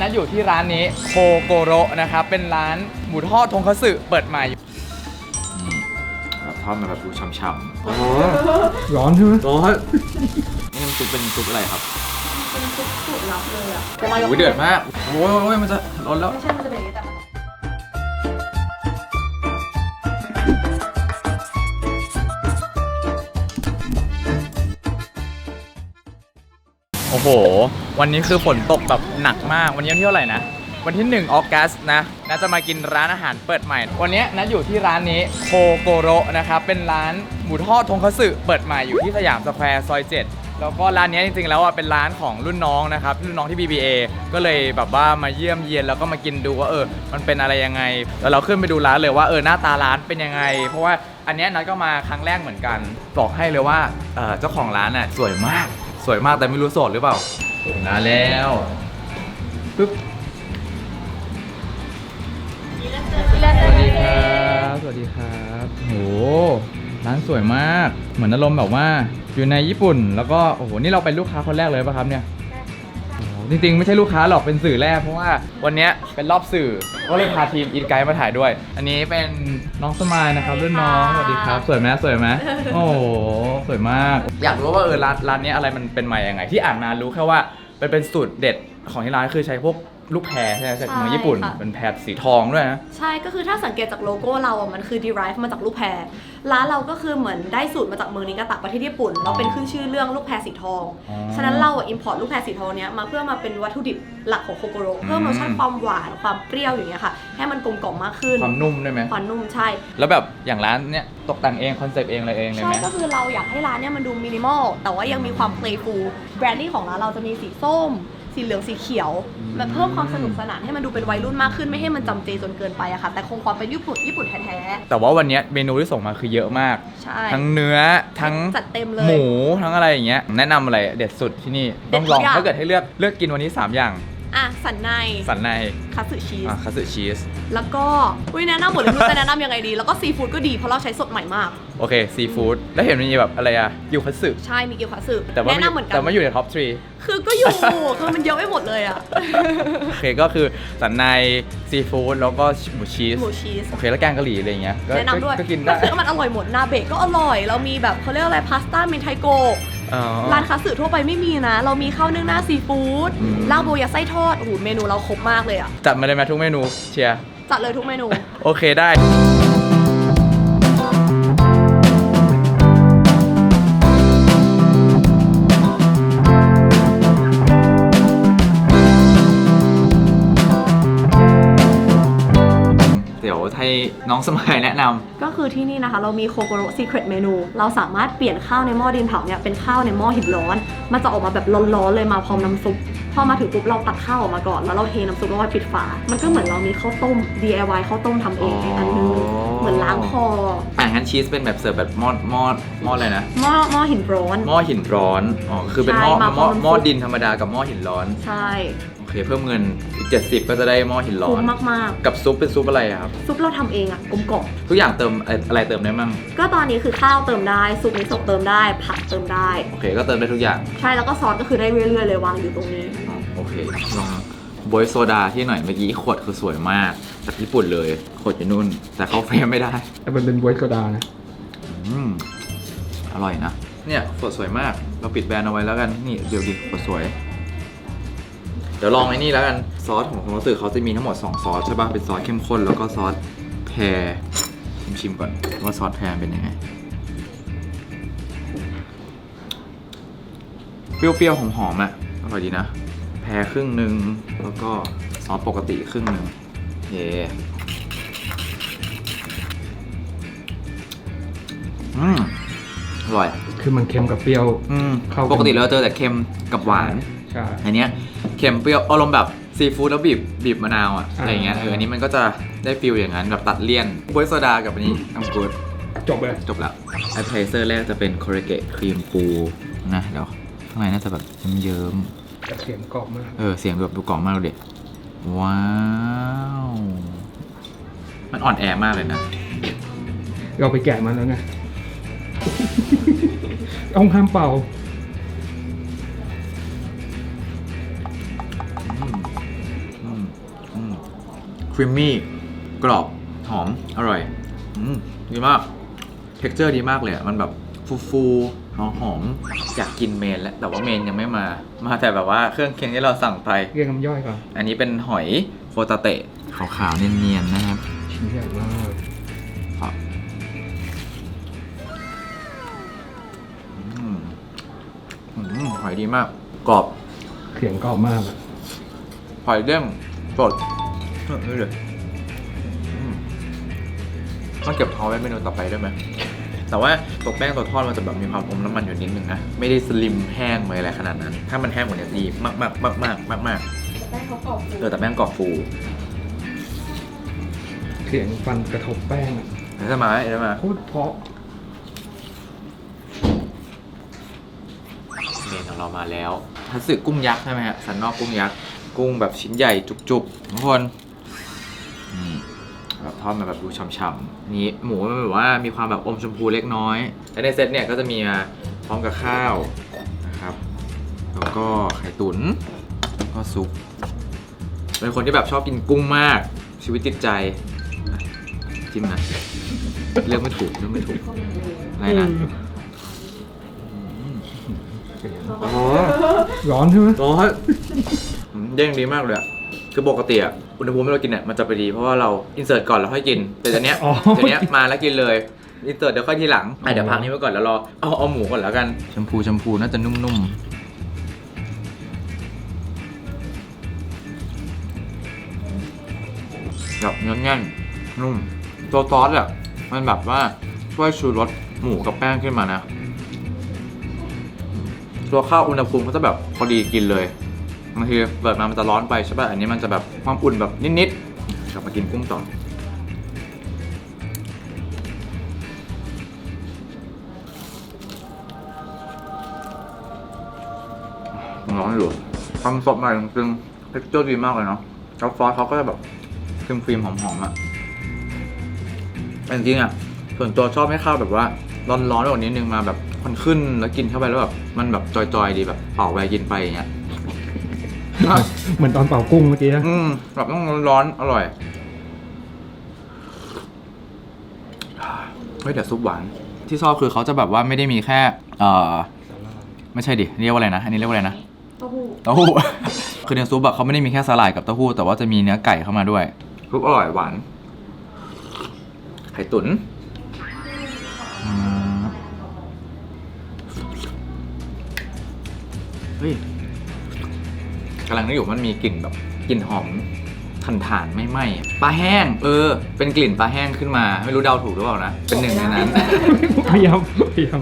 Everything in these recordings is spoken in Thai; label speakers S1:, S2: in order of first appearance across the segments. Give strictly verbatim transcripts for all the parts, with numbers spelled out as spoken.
S1: นัดอยู่ที่ร้านนี้โคโกโระนะครับเป็นร้านหมูทอดทงคัตสึเปิดใหม่แบบทอดมาแบบดูฉ่ำๆโอ้
S2: ร้อนใช่ไหม
S1: ร้อนนี่มันซุปเป็นซุปอะไรครับ
S3: เป็นซุปสูตรลับเลยอ่ะ
S1: โอ้ยเดือดมากโอ้ยโอ้ยมันจะร้อนแล้ว
S3: ไม่ใช่มันจะเป็นอย่างนี้แต่
S1: โอ้โหวันนี้คือฝนตกแบบหนักมากวันนี้วันที่เท่าไหร่นะวันที่หนึ่งออกัสนะน่าจะมากินร้านอาหารเปิดใหม่วันนี้นัดอยู่ที่ร้านนี้โคโกโระนะครับเป็นร้านหมูทอดทงคัตสึเปิดใหม่อยู่ที่สยามสแควร์ซอยเจ็ดแล้วก็ร้านนี้จริงๆแล้วอ่ะเป็นร้านของรุ่นน้องนะครับรุ่นน้องที่ บี บี เอ ก็เลยแบบว่ามาเยี่ยมเยียนแล้วก็มากินดูว่าเออมันเป็นอะไรยังไงแล้วเราขึ้นไปดูร้านเลยว่าเออหน้าตาร้านเป็นยังไงเพราะว่าอันนี้นัดก็มาครั้งแรกเหมือนกันบอกให้เลยว่าเออเจ้าของร้านอ่ะสวยมากสวยมากแต่ไม่รู้โสดหรือเปล่ามาแล้วปึ๊บสวัสดีครับสวัสดีครับโหร้านสวยมากเหมือนอารมณ์แบบว่าอยู่ในญี่ปุ่นแล้วก็โอ้โหนี่เราเป็นลูกค้าคนแรกเลยป่ะครับเนี่ยจริงๆไม่ใช่ลูกค้าหรอกเป็นสื่อแรกเพราะว่าวันนี้เป็นรอบสื่อก็เลยพาทีมอินไกด์มาถ่ายด้วยอันนี้เป็นน้องสมายนะครับรุ่นน้องสวัสดีครับสวยไหมสวยไหมโอ้โหสวยมากอยากรู้ว่าเออร้านร้านนี้อะไรมันเป็นมาอย่างไงที่อ่านมารู้แค่ว่าเป็นเป็นสูตรเด็ดของที่ร้านคือใช้พวกลูกแพรใช่ไหมจากเมืองญี่ปุ่นเป็นแพรสีทองด้วยนะ
S3: ใช่ก็คือถ้าสังเกตจากโลโก้เราอ่ะมันคือ derive มาจากลูกแพรร้านเราก็คือเหมือนได้สูตรมาจากเมืองนิกาตะประเทศญี่ปุ่นเราเป็นขึ้นชื่อเรื่องลูกแพรสีทองฉะนั้นเราอ่ะ import ลูกแพรสีทองเนี้ยมาเพื่อมาเป็นวัตถุดิบหลักของโคโกโระเพิ่มรสชาติความหวานความเปรี้ยวอย่างเงี้ยค่ะให้มันกลมกล่อมมากขึ้น
S1: ความนุ่มได้ไหม
S3: ความนุ่มใช่
S1: แล้วแบบอย่างร้านเนี้ยตกแต่งเองคอนเซปต์เองอะไรเองเลยไหม
S3: ใช่ก็คือเราอยากให้ร้านเนี้ยมันดูมินิมอลแต่ว่ายังมีความ playful แบรนดิ้งของร้านเราจะมีสีส้มสีเหลืองสีเขียวแบบเพิ่มความสนุกสนานให้มันดูเป็นวัยรุ่นมากขึ้นไม่ให้มันจำเจจนเกินไปอะค่ะแต่คงความเป็นญี่ปุ่นญี่ปุ่นแท้ๆ
S1: แต่ว่าวันนี้เมนูที่ส่งมาคือเยอะมาก
S3: ใช่
S1: ทั้งเนื้อทั้ง
S3: จัดเต็มเลย
S1: หมูทั้งอะไรอย่างเงี้ยแนะนำอะไรเด็ดสุดที่นี่ต้องลองถ้าเกิดให้เลือกเลือกกินวันนี้สามอย่าง
S3: อ่ะสันใน
S1: สันใน
S3: คัตสึชีส
S1: อ่ะคัตสึชีส
S3: แล้วก็อุ้ยแนะนำหมดเลยจะแนะนำยังไงดีแล้วก็ซีฟู้ดก็ดีเพราะเราใช้สดใหม่มาก
S1: โอเคซีฟู้ดแล้วเห็นมีแบบอะไรอะยูคัตสึ
S3: ใช่มีเกี๊ยวคัตสึ
S1: แนะนำเหมือนกันแต่ไม่อยู่ในท็อปทรี
S3: คือก็อยู่คือมันเยอะไปหมดเลยอะ
S1: โอเคก็คือสันในซีฟู้ดแล้วก็หมูชีส
S3: หมูชีส
S1: โอเคแล้วแกงกะหรี่อะไรเงี้ย
S3: แนะนำด้วย
S1: ก็กินได้
S3: คือมันอร่อยหมดนาเบะก็อร่อยเรามีแบบเขาเรียกอะไรพาสต้าเมนไทโกร้านคัตสึทั่วไปไม่มีนะเรามีข้าวนึ่งหน้าซีฟู้ดลาบโบยาไส้ทอดโอ้โหเมนูเราครบมากเลยอ่ะ
S1: จัดมาเลยไหมทุกเมนูเชียร์
S3: จัดเลยทุกเมนู
S1: โอเคได้เดี๋ยวให้น้องสมัยแนะนำ
S3: ก็คือที่นี่นะคะเรามีโคโกโระซีเครตเมนูเราสามารถเปลี่ยนข้าวในหม้อดินเผาเนี่ยเป็นข้าวในหม้อหินร้อนมันจะออกมาแบบร้อนๆเลยมาพร้อมน้ำซุปพอมาถึงปุ๊บเราตักข้าวออกมาก่อนแล้วเราเทน้ำซุปแล้วก็ปิดฝามันก็เหมือนเรามีข้าวต้ม ดี ไอ วาย ข้าวต้มทำเองอันนึงเหมือนล้างคอ
S1: อ่ะงั้นชีสเป็นแบบเสิร์ฟแบบหม้อหม้อหม้ออะไรนะ
S3: หม้อหม้อหินร้อน
S1: หม้อหินร้อนอ๋อคือเป็นหม้อหม้อหม้อดินธรรมดากับหม้อหินร้อน
S3: ใช่
S1: โอเคเพิ่มเงินอีกเจ็ดสิบก็จะได้หม้อหินร้อน
S3: คุ้มมาก
S1: ๆกับซุปเป็นซุปอะไรครับ
S3: ซุปเราทำเองอ่ะกลมกล่อม
S1: ทุกอย่างเติมอะไรเติมได้มั่ง
S3: ก็ตอนนี้คือข้าวเติมได้ซุปมิโซะเติมได้ผักเติมได้
S1: โอเคก็เติมได้ทุกอย่าง
S3: ใช่แล้วก็ซอสก็คือได้เรื่อยๆเลยวางอยู่ตรงนี้
S1: โอเคลองโบยโซดาที่หน่อยเมื่อกี้ขวดคือสวยมากจากญี่ปุ่นเลยขวดอยู่นู่นแต่เขาเฟรมไม่ได้
S2: แต่มันเป็นโบยโซดานะ
S1: อืมอร่อยนะเนี่ยขวดสวยมากเราปิดแบรนด์เอาไว้แล้วกันนี่เดี๋ยวดิขวดสวยเดี๋ยวลองไอ้นี่แล้วกันซอสของรู้สึกเขาจะมีทั้งหมดสองซอสใช่ป่ะเป็นซอสเข้มข้นแล้วก็ซอสแพรชิมก่อนว่าซอสแพรเป็นยังไงเปรี้ยวๆหอมๆอ่ะอร่อยดีนะแพรครึ่งหนึ่งแล้วก็ซอสปกติครึ่งหนึ่งเย่อืมอร่อย
S2: คือมันเค็มกับเปรี้ยว
S1: อืมปกติเราเจอแต่เค็มกับหวาน
S2: ใช่
S1: อันเนี้ยเค็มเปรี้ยวอารมณ์แบบซีฟู้ดแล้วบีบบีบมะนาวอ่ะอะไรเงี้ยเอออันนี้มันก็จะได้ฟิลอย่างนั้นแบบตัดเลี่ยนโบยโซดากับอันนี้น้ำกูด
S2: จบเลย
S1: จบแล้วไอเพรสเซอร์แรกจะเป็นโคเรเกะครีมปูนะเดี๋ยวข้างในน่าจะแบบเยิ้ม
S2: ๆเสียงกรอบมาก
S1: เออเสียงแบบดูกรอบมากเลยว้าวมันอ่อนแอมากเลยนะ
S2: เราไปแกะมันแล้วไงต้องห้ามเป่า
S1: อครีมมี่กรอบหอมอร่อยอืมดีมากเท็กเจอร์ดีมากเลยอะมันแบบฟูๆหอมหอมอยากกินเมนแล้วแต่ว่าเมนยังไม่มามาแต่แบบว่าเครื่องเคียงที่เราสั่งไป
S2: เรียกน้ำย่อยก่อน
S1: อันนี้เป็นหอยโคตาเตะขาวๆเนียนๆนะครับ
S2: ชิ้นใหญ่มาก
S1: ครับอืมอืมหอยดีมากกรอบ
S2: เสียงกรอบมากอะ
S1: หอยเด้งสดเออนี่เลยอืมต้องเก็บท้องไว้เมนูต่อไปได้ไหม แต่ว่าตัวแป้งตัวทอดมันจะแบบมีความอมน้ำมันอยู่นิดนึงนะ ไม่ได้สลิมแห้งเลยอะไรขนาดนั้น ถ้ามันแห้งกว่านี้ดีมากมากมากมากมากมาก
S3: แป้งเขากรอบฟู
S1: เออแต่แป้งกรอบฟู
S2: เสียงฟันกระทบแป้งอะ
S1: เห็นไหมเห็นไหม
S2: โคตรเพราะ
S1: เมนของเรามาแล้วทัสึกุ้งยักษ์ใช่ไหมฮะสันนอกกุ้งยักษ์กุ้งแบบชิ้นใหญ่จุกๆทุกคนนี่แบบทอดมาแบบดูฉ่ำๆนี่หมูมันแบบว่ามีความแบบอมชมพูเล็กน้อยและในเซตเนี่ยก็จะมีมาพร้อมกับข้าวนะครับแล้วก็ไข่ตุ๋นแล้วก็ซุปเป็นคนที่แบบชอบกินกุ้งมากชีวิตติดใจอ่ะจิ้มนะเลือกไม่ถูกเลือกไม่ถูกอะไรนะ โอ้โห
S2: ร้อนใช่ไหม
S1: ร้อนอืมเด้งดีมากเลยอะคือปกติอะอุณหภูมิที่เรากินเนี่ยมันจะไปดีเพราะว่าเราอินเสิร์ตก่อนแล้วค่อยกิน แต่ตอนเนี้ยตอนเนี้ยมาแล้วกินเลยอินเสิร์ตเดี๋ยวค่อยทีหลังอ่ะเดี๋ยวพักนี้ไว้ก่อนแล้วรอเอาเอาหมูก่อนแล้วกันแชมพูแชมพูน่าจะนุ่มๆแบบเนื้อแน่นนุ่มตัวซอสอะมันแบบว่าช่วยชูรสหมูกับแป้งขึ้นมานะตัวข้าวอุณหภูมิก็จะแบบพอดีกินเลยบางทีเปิดมามันจะร้อนไปใช่ป่ะอันนี้มันจะแบบความอุ่นแบบนิดๆกลับมากินกุ้งต่อร้อนอยู่ความสดใหม่จริงๆเท็กเจอร์ดีมากเลยเนาะแล้วซอสเขาก็จะแบบครีมครีมๆหอมๆอ่ะแต่จริงๆอ่ะส่วนตัวชอบให้ข้าวแบบว่าร้อนๆแบบนิดนึงมาแบบมันขึ้นแล้วกินเข้าไปแล้วแบบมันแบบจอยๆดีแบบเป่าไปกินไปอย่างเงี้ย
S2: เหมือนตอนเป่ากุ้งเมื่อกี้นะ
S1: อืมแบบต้องร้อนๆอร่อยเฮ้ยแต่ซุปหวานที่ชอบคือเขาจะแบบว่าไม่ได้มีแค่เอ่อไม่ใช่ดิเรียกว่าอะไรนะอันนี้เรียกว่าอะไรนะ
S3: เต้าหู้
S1: เต้าหู้ คือในซุปอะเขาไม่ได้มีแค่สาหร่ายกับเต้าหู้แต่ว่าจะมีเนื้อไก่เข้ามาด้วยซุปอร่อยหวานไข่ตุ๋นอืมเฮ้ยกำลังนึกอยู่มันมีกลิ่นแบบกลิ่นหอมถ่านถ่านไม่ไหม้ปลาแห้ง เออ เป็นกลิ่นปลาแห้งขึ้นมา ไม่รู้เดาถูกหรือเปล่านะ เป็นหนึ่งในนั้น
S2: พยายามพยายาม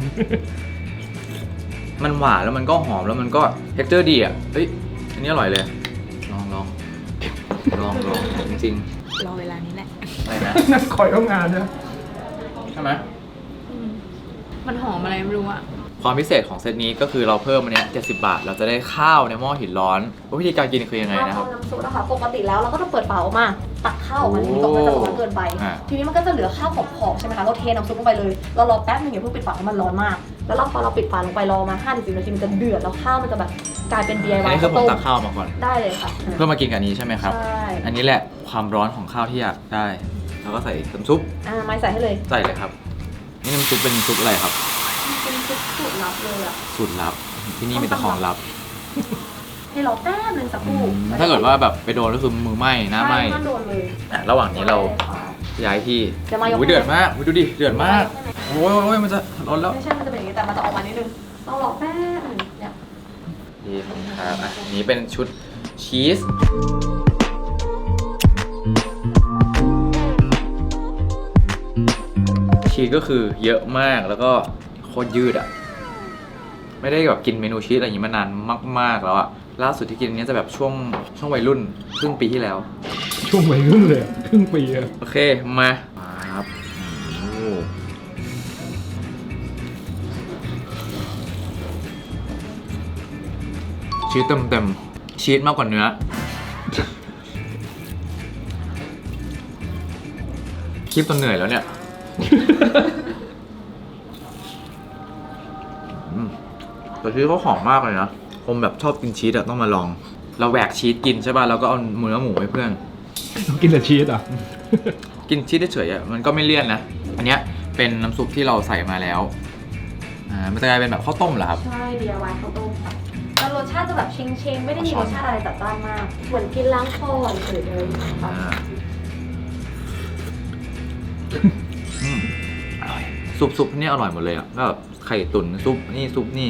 S1: มันหวานแล้วมันก็หอมแล้วมันก็เท็กเจอร์ดีอ่ะเฮ้ยอันนี้อร่อยเลย ลองลองลองลองจริง
S3: รอเวลานี้แหละ
S1: ๆอะไรนะ
S2: นักคอยต้องงานนะ
S1: ใช่ไหม
S3: มันหอมอะไรไม่รู้อะ
S1: ความพิเศษของเซตนี้ก็คือเราเพิ่มอันเนี้ยเจ็ดสิบบาท เราจะได้ข้าวในหม้อหินร้อนวิธีการกินคือยังไงนะครับ
S3: เราน้ำซุปนะคะปกติแล้วเราก็จะเปิดฝาออกมาตักข้าวออกมาทีตรงมันจะร้อนเกินไป
S1: อ่า
S3: ทีนี้มันก็จะเหลือข้าวขอบๆใช่ไหมคะเราเทน้ำซุปลงไปเลยเรารอแป๊บนึงอย่าเพิ่งปิดฝาเพราะมันร้อนมาก แล้วเราพอเราปิดฝาลงไปรอมา ห้าถึงสิบ นาทีมันจะเดือดแล้วข้าวมันจะแบบกลายเป็น ดี ไอ
S1: อัน
S3: วาย
S1: นี้คือผม
S3: ต้ม
S1: ตักข้าวมาก่อน
S3: ได้เลยค่ะ
S1: เพื่อมากินกับอันนี้ใช่ไหมครับ
S3: ใช่
S1: อันนี้แหละความร้อนของข้าวที่อยากได้ แล้วก็ใส่น้ำซุป
S3: อ่าไม่ใส่ให้เลย
S1: ใส่เลยครับ นี่น้ำซุปเป็นซุปอะไรครับ
S3: เป็นซุปสูตรลับเลยอะ
S1: สูตรลับ ที่นี่มีแต่ของลับ
S3: ให้รอแป๊บนึงสักครู่
S1: ถ้าเกิดว่าแบบไปโดนก็คือมือไหม้หน้าไหม้
S3: ใช่โดนเลย
S1: อ่ะระหว่างนี้เรา
S3: ได้ค่ะ
S1: ย้ายที่
S3: จะมายก
S1: โอ้ยเดือดมากอุ๊ยดูดิ เดือดมาก โอ้ยโอ้ยมันจะร้อนแล้ว
S3: ไม่ใช่มันจะเป็นอย่างนี้แต่มันจะออกมานิดนึงต้องรอแป๊บนึงเนี่ย
S1: ดีครับอ่ะอันนี้เป็นชุดชีส ชีสก็คือเยอะมากแล้วก็โคตรยืดอ่ะ ไม่ได้แบบกินเมนูชีสอะไรอย่างนี้มานานมากๆแล้วอ่ะ ล่าสุดที่กินอันนี้จะแบบช่วงช่วงวัยรุ่นครึ่งปีที่แล้ว
S2: ช่วงวัยรุ่นเลยอะครึ่งปีอะ
S1: โอเค มาครับโอ้ชีสเต็มเต็มๆชีสมากกว่าเนื้อ คลิปตอนเหนื่อยแล้วเนี่ย อืมแต่ชีสเขาหอมมากเลยนะผมแบบชอบกินชีสอะต้องมาลอง เราแหวกชีสกินใช่ป่ะแล้วก็เอาเนื้อหมูให้เพื่อน
S2: ต้องกินแต่ชีสอ่ะ
S1: กินชีสเฉยๆอ่ะมันก็ไม่เลี่ยนนะ อันเนี้ยเป็นน้ำซุปที่เราใส่มาแล้วอ่ามันจะกลายเป็นแบบข้าวต้มเหรอครับ
S3: ใช่ ดี ไอ วาย ข้าวต้มค่ะแต่รสชาติจะแบบเชงเชงๆไม่ได้มีรสชาติอะไรจัดจ้านมาก เหมือนกินล้างคอเฉยๆเลยค่ะ
S1: อ่าอืมอร่อยซุปซุปนี่อร่อยหมดเลยอ่ะก็แบบไข่ตุ๋นซุปนี่ซุปนี่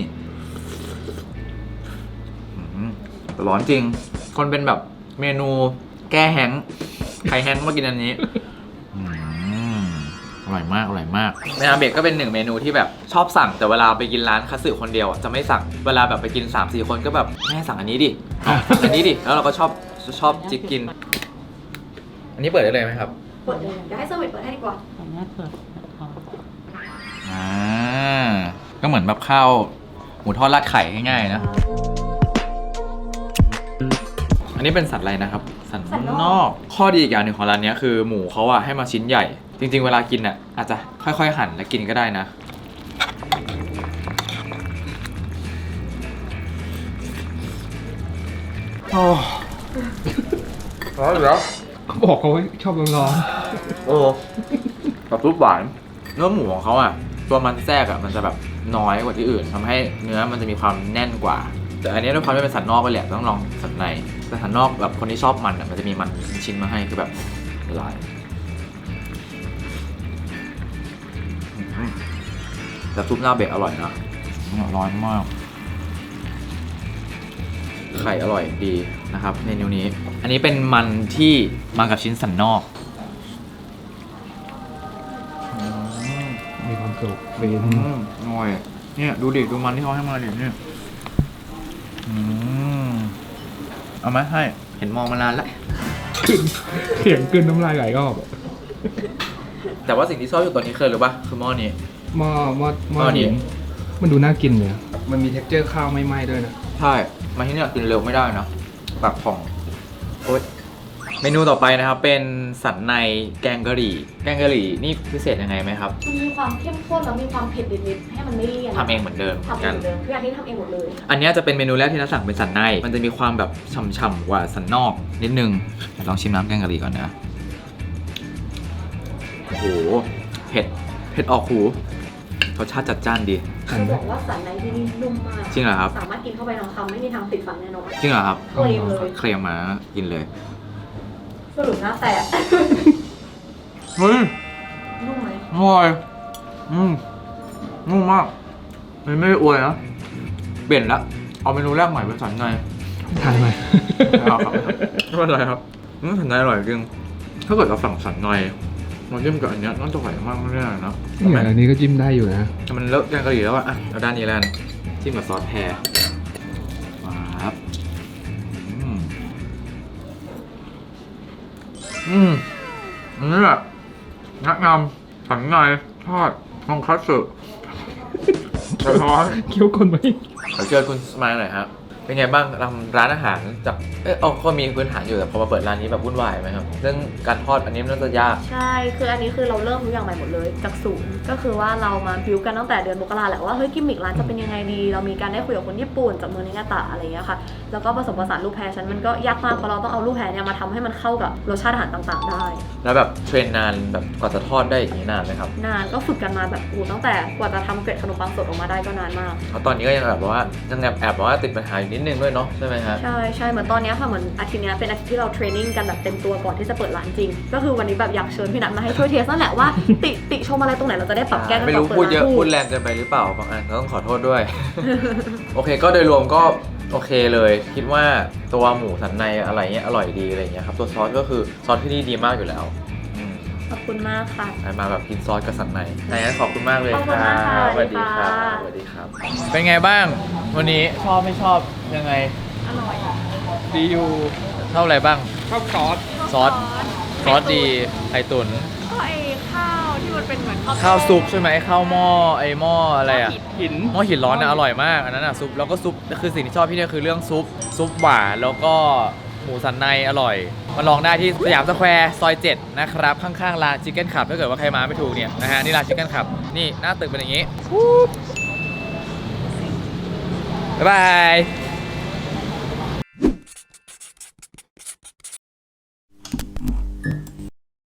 S1: อืมแต่ร้อนจริง คนเป็นแบบเมนูแก้แห้งก์ใครแห้งก์มากินอันนี้อืมอร่อยมากอร่อยมากในอาเบะก็เป็นหนึ่งเมนูที่แบบชอบสั่งแต่เวลาไปกินร้านคัตสึคนเดียวอ่ะจะไม่สั่งเวลาแบบไปกิน สามสี่ คนก็แบบแม่สั่งอันนี้ดิเอาสั่งอันนี้ดิแล้วเราก็ชอบชอบจิกกิน อันนี้เปิดได้เลยไหมครับ
S3: เปิดเลยเดี๋ยวให้เซอร์วิสเปิดให้ดีกว่า
S4: ขออนุญาตเปิดนะครับ
S1: อ่าก็เหมือนแบบข้าวหมูทอดราดไข่ง่ายๆนะ อันนี้เป็นสันอะไรนะครับ สัน
S3: สันนอก
S1: นอก ข้อดีอีกอย่างหนึ่งของร้านนี้คือหมูเขาอะให้มาชิ้นใหญ่ จริงๆเวลากินอะอาจจะค่อยๆหั่นแล้วกินก็ได้นะโอ้ร้อนเหรอ
S2: เขาบอกเขาไว้ชอบร้อน
S1: โอ้กับซุปหวานเนื้อหมูของเขาอ่ะ ตัวมันแทรกอ่ะมันจะแบบน้อยกว่าที่อื่นทำให้เนื้อมันจะมีความแน่นกว่า แต่อันนี้ด้วยความที่เป็นสันนอกไปแหละต้องลองสันในแต่สันนอกแบบคนที่ชอบมันอ่ะมันจะมีมันชิ้นๆมาให้คือแบบละลายอืมแต่ซุปหน้าเบะอร่อยนะร้อนมากไข่อร่อยดีนะครับเมนูนี้ อันนี้เป็นมันที่มากับชิ้นสันนอก
S2: ๆมีความสุขเป็น
S1: อืมอร่อยเนี่ยดูดิดูมันที่เขาให้มาดิเนี่ยอืมเอาไหมให้เห็นมองมานานแล้ว
S2: เสียงกลืนน้ำลายไหลก็ออก
S1: แต่ว่าสิ่งที่ชอบอยู่ตอนนี้คือหรือปะคือหม้อนี้
S2: หม้อหม้อหม้อ
S1: หม้อนี้
S2: หินมันดูน่ากินเลยอะมันมี texture ข้าวไม่ไหม้ด้วยนะ
S1: ใช่มาที่เนี่ยกินเร็วไม่ได้นะปากผ่องโอ๊ยเมนูต่อไปนะครับเป็นสันในแกงกะหรี่แกงกะหรี่นี่พิเศษยังไงไหมครับ
S3: มันมีความเข้มข้นแล้วมีความเผ็ดนิดๆให้มันไม่เลี่ยน
S1: ทำเองเหมือนเดิม
S3: ทำเองเหมือนเดิมทุกอย่างที่ทำเองหมดเลย
S1: อันเนี้ยจะเป็นเมนูแรกที่นักสั่งเป็นสันในมันจะมีความแบบฉ่ำๆกว่าสันนอกนิดนึงเดี๋ยวลองชิมน้ำแกงกะหรี่ก่อนนะโอ้โหเผ็ดเผ็ดออกหูรสชาติจัดจ้านดี
S3: จะบอกว่าสันในที่นี่นุ่มมาก
S1: จริงเหรอครับ
S3: สามารถกินเข้าไปทั้งคำไม่มีทางติดฟันแน่นอน
S1: จริงเหรอครับ
S3: เคลมเลย
S1: เคลมมากินเลย
S3: สรุปหน้าแตก
S1: เฮ้ย
S3: นุ่มไหม
S1: อร่อยอืมนุ่มมากมันไม่ได้อวยนะเปลี่ยนละเอาเมนูแรกใหม่เป็นสันใน
S2: ทานไหม
S1: เอาครับไม่เป็นไรครับอืมสันในอร่อยจริงถ้าเกิดเราสั่งสันในมาจิ้มกับอันเนี้ยน่าจะไหวมากไม่ได้นะ
S2: เนี่ยอันนี้ก็จิ้มได้อยู่นะ
S1: แต่มันเลอะแกงกะหรี่แล้วอะอ่ะเอาด้านนี้แล้วกันจิ้มกับซอสแพรครับอืมอืมอันนี้แหละแนะนำสันในทอดทองคัตสึกระท้อน
S2: เคี้ยวคนไหม
S1: เดี๋ยวเชิญคุณสมายหน่อยครับ เป็นไงบ้างทำร้านอาหารจากเออก็มีพื้นฐานอยู่แต่พอมาเปิดร้านนี้แบบวุ่นวายไหมครับเรื่องการทอดอันนี้มันน่าจะยาก
S3: ใช่ คืออันนี้คือเราเริ่มทุกอย่างใหม่หมดเลยจากศูนย์ก็คือว่าเรามาบิวกันตั้งแต่เดือนมกราแหละว่าเฮ้ยกิมมิคร้านจะเป็นยังไงดี เรามีการได้คุยกับคนญี่ปุ่นจากเมืองนิงาตะอะไรอย่างเงี้ยค่ะ แล้วก็ผสมผสานลูกแพรฉันมันก็ยากมากเพราะเราต้องเอาลูกแพรเนี่ยมาทำให้มันเข้ากับรสชาติอาหารต่างๆ ได้
S1: แล้วแบบเทรนนานแบบกว่าจะทอดได้อย่างนี้นานไหมครับ
S3: นานก็ฝึกกันมาแบบอูตั้งแต่กว่าจะทำเกล็ดขนมปังสดออกมาได้ก็นานมาก
S1: เพราะตอนนี้ก็ยังแบบว่ายังแอบแอบว่าติดปัญหาอยู่นิดนึงด้วยเนาะใช่ไหมฮะ
S3: ใช่ใช่เหมือนตอนเนี้ยค่ะเหมือนอาทิตย์เนี้ยเป็นอาทิตย์ที่เราเทรนนิ่งกันแบบเต็มตัวก่อนที่จะเปิดร้านจริง ก็คือวันนี้แบบอยากเชิญพี่นัทมาให้ช่วยเทสนั่นแหละว่า ติติชมอะไรตรงไหนเราจะได้ปรับแก้กัน
S1: ไม่
S3: ต่
S1: รู้
S3: อเปิด
S1: พูดเย
S3: ร้า
S1: อะ
S3: น
S1: พูดแรงเกินไปหรือเปล่าบางอันก็ต้องขอโทษด้วย โอเคก็โดยรวมก็โอเคเลย คิดว่าตัวหมูสันในอะไรเงี้ยอร่อยดีอะไรเงี้ยครับตัวซอสก็คือซอสที่นี่ดีมากอยู่แล้วอืม
S3: ขอบคุณมากค่ะ
S1: มาแบบกินซอสกับสันในงั้นขอบคุณมากเลย
S3: ขอบคุณ
S1: ครั
S3: มากค่ะ
S1: บสวัสดีครั
S3: สวัสดีค่ะ
S1: บสวัสดีครับ เป็นไงบ้าง วันนี้ชอบไม่ชอบยังไง
S3: อร่อย
S2: ดีอยู่
S1: ชอบอะไรบ้าง
S2: ชอบซอส
S1: ซอสซอสดีไข่ตุ๋น
S3: ก็ไอข้าวที่มันเป็นเหมือน
S1: ข้าวซุปใช่ไหมข้าวหม้อไอหม้ออะไรอะ
S2: หิน
S1: หม้อหินร้อนนะอร่อยมากอันนั้นอะซุปแล้วก็ซุปคือสิ่งที่ชอบที่เนี่ยคือเรื่องซุปซุปหวานแล้วก็หมูสันในอร่อยมาลองได้ที่สยามสแควร์ซอยเจ็ดนะครับข้างๆร้านชิคเก้นขับถ้าเกิดว่าใครมาไม่ถูกเนี่ยนะฮะนี่ร้านชิคเก้นขับนี่หน้าตึกเป็นอย่างนี้บ๊ายบาย